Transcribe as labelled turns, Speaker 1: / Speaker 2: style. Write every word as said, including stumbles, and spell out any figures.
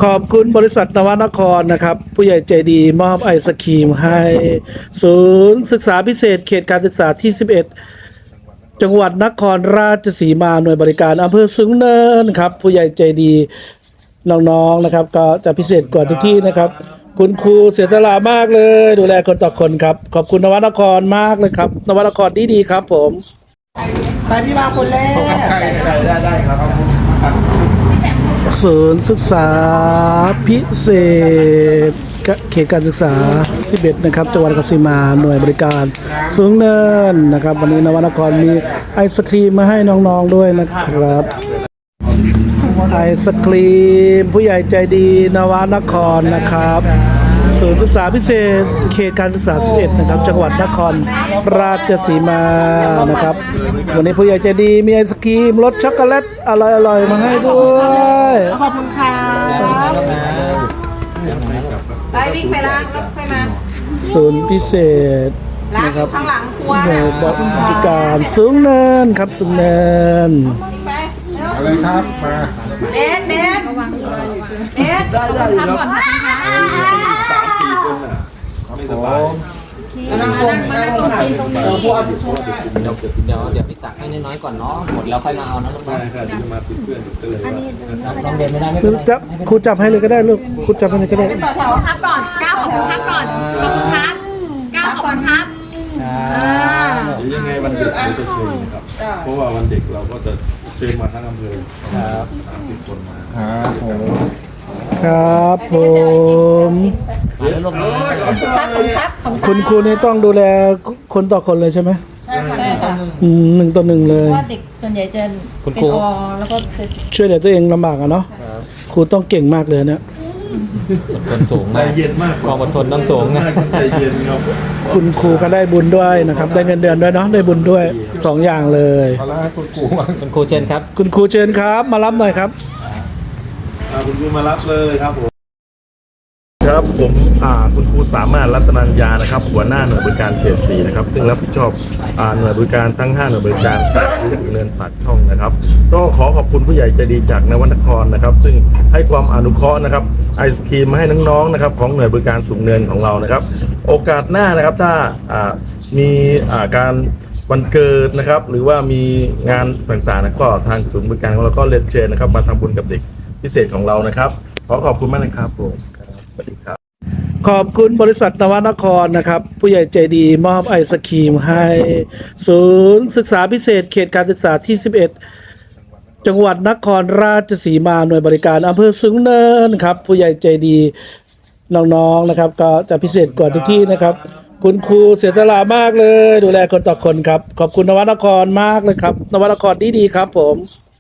Speaker 1: ขอบคุณบริษัทนวนครนะครับผู้ใหญ่ใจดีมอบไอศครีมให้ศูนย์ศึกษาพิเศษเขตการศึกษาที่สิบเอ็ดจังหวัดนครราชสีมาหน่วยบริการอำเภอสูงเนินครับผู้ใหญ่ใจดีน้องๆนะครับก็จะพิเศษกว่าทุกที่นะครับคุณครูเสียสละมากเลยดูแลคนต่อคนครับขอบคุณนวนครมากเลยครับนวนครดีๆครับผม
Speaker 2: ไปพี่มาคนแรกได้ได้ได้ครับ
Speaker 1: ศูนย์ศึกษาพิเศษเขตการศึกษาสิบเอ็ดนะครับจังหวัดนครราชสีมาหน่วยบริการสูงเนินนะครับวันนี้นวนครมีไอศครีมมาให้น้องๆด้วยนะครับไอศครีมผู้ใหญ่ใจดีนวนครนะครับศูนย์ศึกษาพิเศษเขตการศึกษาสิบเอ็ดนะครับจังหวัดนครราชสีมานะครับวันนี้ผู้ใหญ่ใจดีมีไอศครีมรสช็อกโกแลตอร่อยๆมาให้ด้วย
Speaker 2: ขอบคุณค่ะ
Speaker 3: ไปวิ่งไปล้างรถไปมา
Speaker 1: ศูนย์พิเศษนะครับ
Speaker 3: ข้างหลังครัว
Speaker 1: หน่วยบริการสูงเนินครับสูงเนิน
Speaker 2: อะไรครับมา
Speaker 3: เบสเบสเบส
Speaker 2: ได้ได้ครับสามสี่คนอ่ะไม่สบายนั่งลงนั่งลงตรงนี้เดี๋ยว
Speaker 4: เดี๋ยวเดี๋ยวเดี๋ยวไปตักให้น้อยๆก่อนเนาะหมดแล้วค่อยมาเอานะลูกน้อง
Speaker 2: ใช่ค่ะจะมาติดเพื่อนติดเลย
Speaker 4: น้องเดินไม่ได้ไม่
Speaker 1: เป็นไรจับครูจับให้เลยก็ได้ลูกครูจับให้เลยก็ได้
Speaker 3: ต่อแถว
Speaker 5: ครับก่อนก้าวขอบคุณครับก่อนขอบคุณครับก้าวขอบคุณครับ
Speaker 2: ยังไงวันเด็กเราจะเชิญนะครับเพราะว่าวันเด็กเราก็จะเชิญมาทั้งอำเภอครับสามสิบคนมาครับผม
Speaker 1: ครับผมคุณครูนี่ต้องดูแลคนต่อคนเลยใช่ไหม
Speaker 3: ใช่ค่ะ
Speaker 1: อืมหนึ่งต่อหนึ่งเลย
Speaker 3: ว่าเด็กส่วนใหญ่จะเป็นอแล้วก็
Speaker 1: ช่วยเหลือตัวเองลำบากอะเนาะครูต้องเก่งมากเลยเนี่ย
Speaker 4: อดทนสูงมาก
Speaker 2: เย็นมาก
Speaker 4: ความอดทนต้องสูงนะ
Speaker 2: ใจเย็นครับ
Speaker 1: คุณครูก็ได้บุญด้วยนะครับได้เงินเดือนด้วยเนาะได้บุญด้วยสองอย่างเลย
Speaker 4: คุณครูคุณครูเชิญครับ
Speaker 1: คุณครูเชิญครับมารับหน่อยครับ
Speaker 2: คุณครูมารับเลยครับผมครับผมคุณครูสามารถรัตนัญญานะครับหัวหน้าหน่วยบริการเขตสี่นะครับซึ่งรับผิดชอบหน่วยบริการทั้งห้าหน่วยบริการจากถึงเนินปากช่องนะครับก็ขอขอบคุณผู้ใหญ่ใจดีจากนวนครนะครับซึ่งให้ความอนุเคราะห์นะครับไอศครีมมาให้น้องๆนะครับของหน่วยบริการสูงเนินของเรานะครับโอกาสหน้านะครับถ้ามีการวันเกิดนะครับหรือว่ามีงานต่างๆนะก็ทางศูนย์บริการของเราก็เรียนเชิญนะครับมาทำบุญกับเด็กพิเศษของเรานะครับขอขอบคุณมากนะครับผมสวัสดีครับ
Speaker 1: ขอบคุณบริษัทนวนครนะครับผู้ใหญ่ใจดีมอบไอศครีมให้ศูนย์ศึกษาพิเศษเขตการศึกษาที่สิบเอ็ดจังหวัดนครราชสีมาหน่วยบริการอำเภอสูงเนินครับผู้ใหญ่ใจดีน้องๆนะครับก็จะพิเศษกว่าทุกที่นะครับคุณครูเสียสละมากเลยดูแลคนต่อคนครับขอบคุณนวนครมากเลยครับนวนครดีๆครับผม